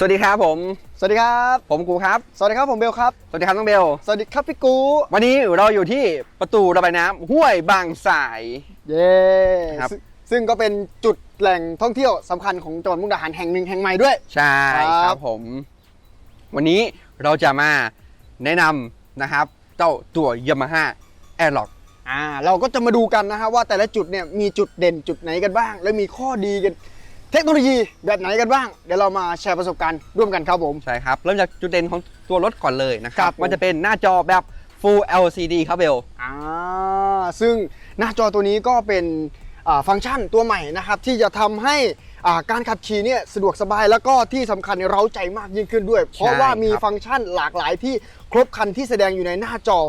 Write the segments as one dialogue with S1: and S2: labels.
S1: วัสดีครับผม
S2: สวัสดีครับ
S1: ผมกูครับ
S2: สวัสดีครับผมเบลครับ
S1: สวัสดีครับน้องเบล
S2: สวัสดีครับพี่กู
S1: วันนี้เราอยู่ที่ประตูระบายน้ำห้วยบางสาย
S2: เย้
S1: ครับ
S2: ซึ่งก็เป็นจุดแหล่งท่องเที่ยวสำคัญของจังหวัดมุกดาหารแห่งหนึ่งแห่งใหม่ด้วย
S1: ใช่ครับผมวันนี้เราจะมาแนะนำนะครับเจ้าตัว Yamaha Airlock
S2: เราก็จะมาดูกันนะฮะว่าแต่ละจุดเนี่ยมีจุดเด่นจุดไหนกันบ้างและมีข้อดีกันเทคโนโลยีแบบไหนกันบ้างเดี๋ยวเรามาแชร์ประสบการณ์ร่วมกันครับผม
S1: ใช่ครับเริ่มจากจุดเด่นของตัวรถก่อนเลยนะครับมันจะเป็นหน้าจอแบบ Full LCD ครับเบล
S2: ซึ่งหน้าจอตัวนี้ก็เป็นฟังก์ชันตัวใหม่นะครับที่จะทำให้การขับขี่เนี่ยสะดวกสบายแล้วก็ที่สำคัญเร้าใจมากยิ่งขึ้นด้วยเพราะว่ามีฟังก์ชันหลากหลายที่ครบครันที่แสดงอยู่ในหน้าจอ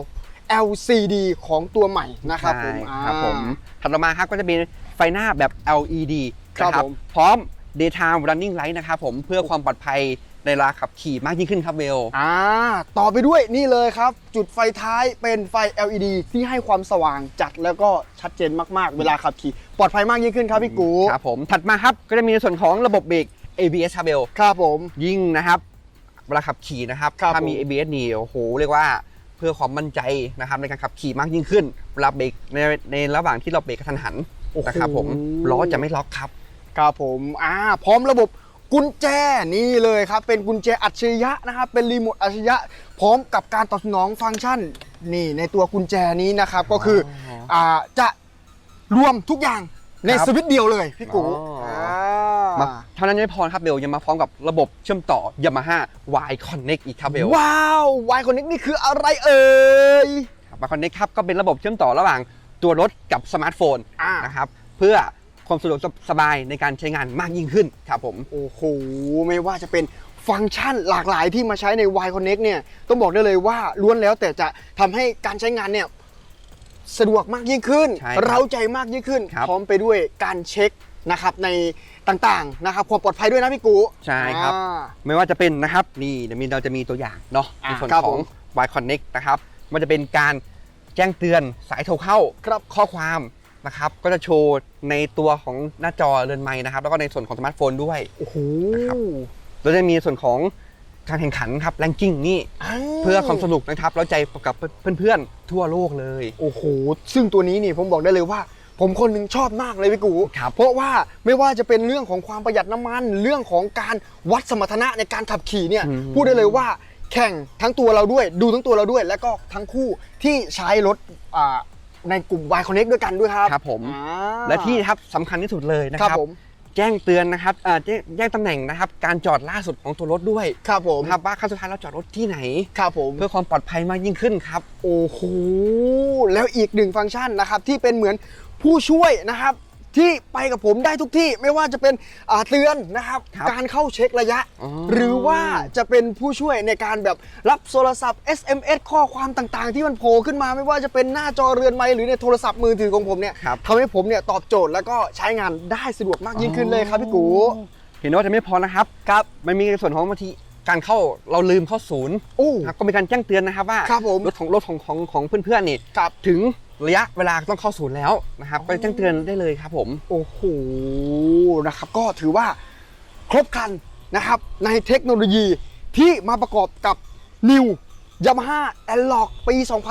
S2: LCD ของตัวใหม่นะครับผม
S1: ถัดมาครับก็จะเป็นไฟหน้าแบบ LED
S2: นะครับ
S1: พร้อม Daytime Running Light นะครับผมเพื่อความปลอดภัยในเวลาขับขี่มากยิ่งขึ้นครับเบล
S2: ต่อไปด้วยนี่เลยครับจุดไฟท้ายเป็นไฟ LED ที่ให้ความสว่างจัดแล้วก็ชัดเจนมากๆเวลาขับขี่ปลอดภัยมากยิ่งขึ้นครับพี่กู
S1: ครับผมถัดมาครับก็จะมีในส่วนของระบบเบรก ABS ครับเบล
S2: ครับผม
S1: ยิ่งนะครับเวลาขับขี่นะครับถ้ามี ABS นี่โอ้โหเรียกว่าเพื่อความมั่นใจนะครับในการขับขี่มากยิ่งขึ้นเวลาเบรกในระหว่างที่เราเบรกกระทันหันนะครับผมล้อจะไม่ล็อกครับ
S2: ครับผมพร้อมระบบกุญแจนี่เลยครับเป็นกุญแจอัจฉริยะนะครับเป็นรีโมทอัจฉริยะพร้อมกับการตอบสนองฟังก์ชันนี่ในตัวกุญแจนี้นะครับก็คือจะรวมทุกอย่างในสวิตช์เดียวเลยพี่กู
S1: เท่านั้นไม่พอครับเบลยังมาพร้อมกับระบบเชื่อมต่อ Yamaha Y Connect อีกครับเบล
S2: ว้าว Y Connect นี่คืออะไรเอ่ย
S1: Y Connect ครับก็เป็นระบบเชื่อมต่อระหว่างตัวรถกับสมาร์ทโฟนนะครับเพื่อความสะดวกสบายในการใช้งานมากยิ่งขึ้นครับผม
S2: โอ้โหไม่ว่าจะเป็นฟังก์ชันหลากหลายที่มาใช้ใน Y Connect เนี่ยต้องบอกได้เลยว่าล้วนแล้วแต่จะทำให้การใช้งานเนี่ยสะดวกมากยิ่งขึ้นเร้าใจมากยิ่งขึ้นพร้อมไปด้วยการเช็คนะครับในต่างๆนะครับความปลอดภัยด้วยนะพี่กู
S1: ใช่ครับไม่ว่าจะเป็นนะครับนี่เราจะมีตัวอย่างเนาะในส่วนของ Y Connect นะครับมันจะเป็นการแจ้งเตือนสายโทรเข้าข้อความนะครับก็จะโชว์ในตัวของหน้าจอเรือนไม้นะครับแล้วก็ในส่วนของสมาร์ทโฟนด้วย
S2: โอ้โห
S1: นะครับเราจะมีส่วนของการแข่งขันครับแรงกิ้งนี่เพื่อความสนุกนะครับแล้วใจกับเพื่อนๆทั่วโลกเลย
S2: โอ้โหซึ่งตัวนี้นี่ผมบอกได้เลยว่าผมคนหนึ่งชอบมากเลยพี่กูเพราะว่าไม่ว่าจะเป็นเรื่องของความประหยัดน้ำมันเรื่องของการวัดสมรรถนะในการขับขี่เนี่ยพูดได้เลยว่าแข่งทั้งตัวเราด้วยดูทั้งตัวเราด้วยแล้วก็ทั้งคู่ที่ใช้รถในกลุ่ม Y Connect ด้วยกันด้วยครับ
S1: ครับผมและที่ครับสำคัญที่สุดเลยนะครับแจ้งเตือนนะครับแจ้งตำแหน่งนะครับการจอดล่าสุดของตัวรถด้วย
S2: ครับผม
S1: ครับว่าครั้งสุดท้ายเราจอดรถที่ไหน
S2: ครับผม
S1: เพื่อความปลอดภัยมากยิ่งขึ้นครับ
S2: โอ้โหแล้วอีกหนึ่งฟังก์ชันนะครับที่เป็นเหมือนผู้ช่วยนะครับที่ไปกับผมได้ทุกที่ไม่ว่าจะเป็นเตือนนะครับการเข้าเช็คระยะหรือว่าจะเป็นผู้ช่วยในการแบบรับโทรศัพท์ SMS ข้อความต่างๆที่มันโผล่ขึ้นมาไม่ว่าจะเป็นหน้าจอเรือนไม้หรือในโทรศัพท์มือถือของผมเนี่ยทำให้ผมเนี่ยตอบโจทย์แล้วก็ใช้งานได้สะดวกมากยิ่งขึ้นเลยครับพี่กู
S1: เห็นว่าจะไม่พอนะครับมันมีส่วนของบางทีการเข้าเราลืมเข้าศูนย์ก็มีการแจ้งเตือนนะครับว่ารถของเพื่อนๆนี่ถึงระยะเวลาต้องเข้าศูนย์แล้วนะครับไปแจ้งเตือนได้เลยครับผม
S2: โอ้โหนะครับก็ถือว่าครบครันนะครับในเทคโนโลยีที่มาประกอบกับ New Yamaha Airlock ปี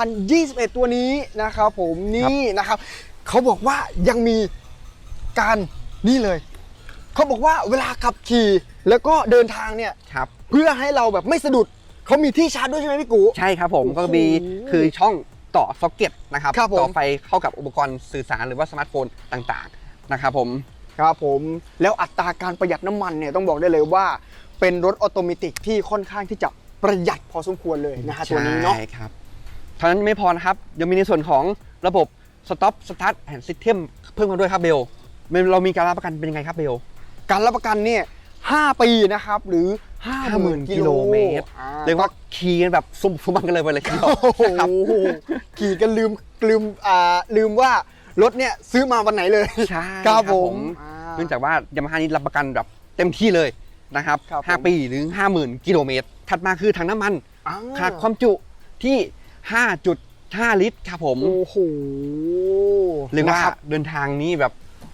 S2: 2021 ตัวนี้นะครับผมนี่นะครับเขาบอกว่ายังมีการนี่เลยเขาบอกว่าเวลาขับขี่แล้วก็เดินทางเนี่ยเพื่อให้เราแบบไม่สะดุดเขามีที่ชาร์จด้วยใช่ไหมพี่กู
S1: ใช่ครับผมก็มีคือช่องต่อซ็อกเก็ตนะครับต่อไฟเข้ากับอุปกรณ์สื่อสารหรือว่าสมาร์ทโฟนต่างๆนะครับผม
S2: ครับผมแล้วอัตราการประหยัดน้ำมันเนี่ยต้องบอกได้เลยว่าเป็นรถออโตเมติกที่ค่อนข้างที่จะประหยัดพอสมควรเลยนะฮะตัวนี้เนาะ
S1: ใช่ครับเท่านั้นไม่พอนะครับยังมีในส่วนของระบบ Stop Start and System เพิ่มมาด้วยครับเบลเรามีการรับประกันเป็นยังไงครับเบล
S2: การรับประกันเนี่ย5 ปีนะครับหรือ 50,000 กิโลเมตร
S1: เรียกว่าขี่กันแบบซุ่มบังกันเลยไปเลยครับ
S2: ขี่กันลืมว่ารถเนี่ยซื้อมาวันไหนเลย
S1: ใช่ครับผมเนื่องจากว่ายามาฮ่านี้รับประกันแบบเต็มที่เลยนะครับ5 ปีหรือ 50,000 กิโลเมตรถัดมาคือถังน้ำมันขนาดความจุที่ 5.5 ลิตรครับผม
S2: โอ้โห
S1: เรียกว่าเดินทางนี้แบบ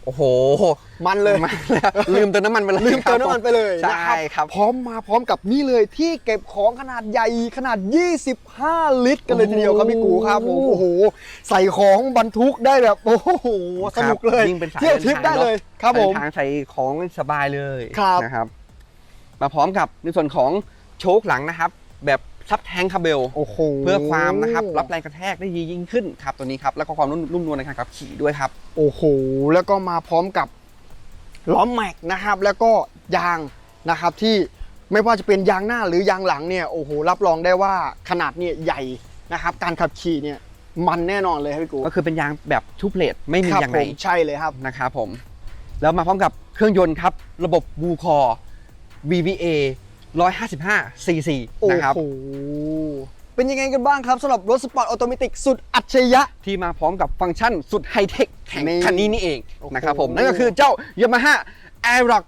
S1: โอ้โห
S2: มันเลย
S1: ลืมเติมน้ำมันไปเลย
S2: ลืมเติมน้ำมันไปเลย
S1: ใช่ครับ
S2: พร้อมกับนี่เลยที่เก็บของขนาดใหญ่ขนาด 25 ลิตรกันเลยทีเดียวครับพี่กูครับโอ้โหใส่ของบรรทุกได้แบบโอ้โหสนุกเลย
S1: ยิ่งเป็นสาย
S2: เที่ยวทริปได้เลยครับผม
S1: เดินทางใส่ของสบายเลย
S2: ครับ
S1: นะครับมาพร้อมกับในส่วนของโชคหลังนะครับแบบซับแทงคาร์เบล
S2: โอ้โห
S1: เพื่อความนะครับรับแรงกระแทกได้ดียิ่งขึ้นครับตัวนี้ครับแล้วก็ความนุ่มนวลในการขับขี่ด้วยครับ
S2: โอ้โหแล้วก็มาพร้อมกับล้อแม็กนะครับแล้วก็ยางนะครับที่ไม่ว่าจะเป็นยางหน้าหรือยางหลังเนี่ยโอ้โหรับรองได้ว่าขนาดเนี่ยใหญ่นะครับการขับขี่เนี่ยมันแน่นอนเลยครับพี่กู
S1: ก็คือเป็นยางแบบทูเพลทไม่มี
S2: ครับ
S1: ยาง
S2: ผ
S1: ใน
S2: มใช่เลยครับ
S1: นะครับผมแล้วมาพร้อมกับเครื่องยนต์ครับระบบบูคอ VVA 155 cc
S2: โอ้
S1: นะครับ
S2: โหเป็นยังไงกันบ้างครับสำหรับรถสปอร์ตออโตเมติกสุดอัจฉริยะ
S1: ที่มาพร้อมกับฟังก์ชันสุดไฮเทคแห่ง
S2: นี่
S1: คันนี้นี่เอง
S2: โอ้โห
S1: นะครับผมนั่นก็คือเจ้า Yamaha Aerox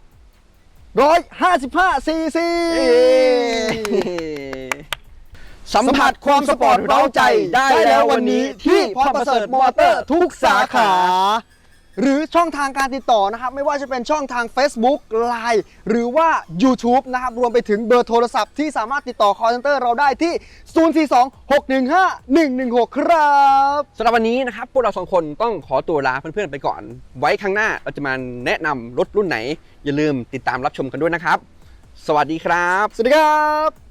S2: 155 ซีซี
S1: สัมผัสความสปอร์ตเร้าใจได้แล้ววันนี้ที่พรประเสริฐมอเตอร์ทุกสาขา
S2: หรือช่องทางการติดต่อนะครับไม่ว่าจะเป็นช่องทาง Facebook Line หรือว่า YouTube นะครับรวมไปถึงเบอร์โทรศัพท์ที่สามารถติดต่อ call center เราได้ที่ 042-615-116 ครับ
S1: สำหรับวันนี้นะครับพวกเราสองคนต้องขอตัวลาเพื่อนๆไปก่อน ไว้ครั้งหน้าเราจะมาแนะนำรถรุ่นไหน อย่าลืมติดตามรับชมกันด้วยนะครับ สวัสดีครับ
S2: สวัสดีครับ